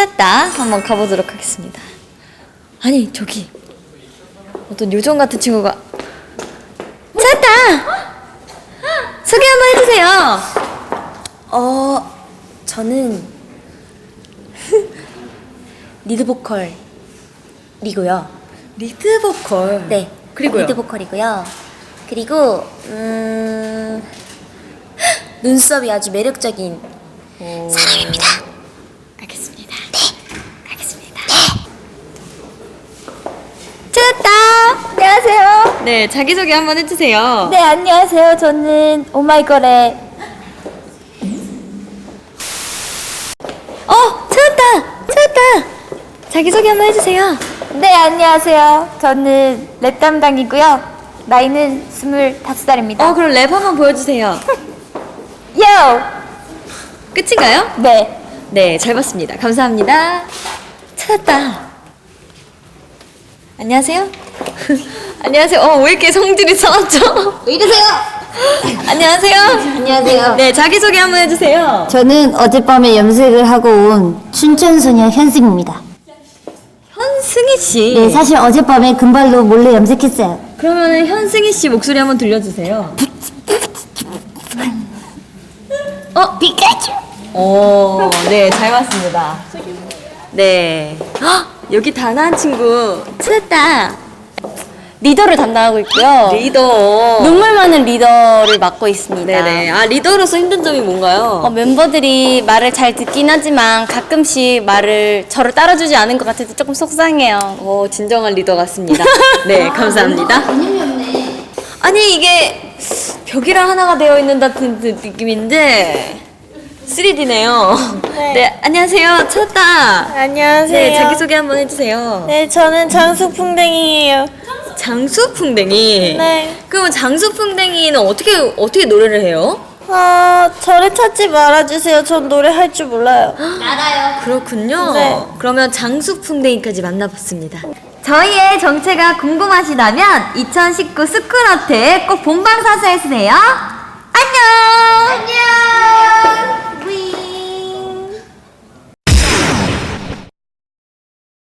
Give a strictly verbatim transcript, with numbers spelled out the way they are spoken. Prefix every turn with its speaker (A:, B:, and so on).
A: 찾았다 한번 가보도록 하겠습니다. 아니 저기 어떤 요정 같은 친구가 찾았다. 소개 한번 해주세요.
B: 어, 저는 리드 보컬이고요.
A: 리드 보컬.
B: 네,
A: 그리고요.
B: 리드 보컬이고요. 그리고 음, 눈썹이 아주 매력적인
A: 오.
B: 사람입니다.
A: 알겠습니다.
B: 네, 알겠습니다.
A: 찾았다.
B: 안녕하세요.
A: 네 자기소개 한번 해주세요.
B: 네, 안녕하세요. 저는 오마이걸의
A: 어 찾았다. 찾았다. 자기소개 한번 해주세요.
B: 네, 안녕하세요. 저는 랩 담당이고요. 나이는 스물다섯 살입니다.
A: 어 그럼 랩 한번 보여주세요.
B: 요!
A: 끝인가요?
B: 네.
A: 네, 잘 봤습니다. 감사합니다. 찾았다. 안녕하세요. 안녕하세요. 어, 왜 이렇게 성질이 상하죠?
B: 왜 이러세요?
A: 안녕하세요.
B: 안녕하세요.
A: 네, 자기소개 한번 해주세요.
C: 저는 어젯밤에 염색을 하고 온 춘천소녀 현승입니다.
A: 현승희 씨.
C: 네, 사실 어젯밤에 금발로 몰래 염색했어요.
A: 그러면 현승희 씨 목소리 한번 들려주세요. 어?
C: 피카츄!
A: 오, 네, 잘 봤습니다. 네. 헉, 여기 단아한 친구 찾았다.
B: 리더를 담당하고 있고요.
A: 리더.
B: 눈물 많은 리더를 맡고 있습니다.
A: 네네. 아, 리더로서 힘든 점이 뭔가요?
B: 어, 멤버들이 말을 잘 듣긴 하지만 가끔씩 말을 저를 따라주지 않은 것 같아서 조금 속상해요.
A: 어, 진정한 리더 같습니다. 네, 감사합니다. 아니, 이게 벽이랑 하나가 되어 있는 듯한 느낌인데 쓰리디네요.
D: 네.
A: 네, 안녕하세요. 찾았다.
D: 안녕하세요.
A: 네, 자기소개 한번 해주세요.
D: 네, 저는 장수풍뎅이에요.
A: 장수풍뎅이.
D: 네.
A: 그럼 장수풍뎅이는 어떻게, 어떻게 노래를 해요?
D: 어, 저를 찾지 말아주세요. 전 노래 할 줄 몰라요.
A: 그렇군요.
D: 네.
A: 그러면 장수풍뎅이까지 만나봤습니다.
B: 저희의 정체가 궁금하시다면 이천십구 스쿨어택 꼭 본방사수해주세요. 안녕! 안녕!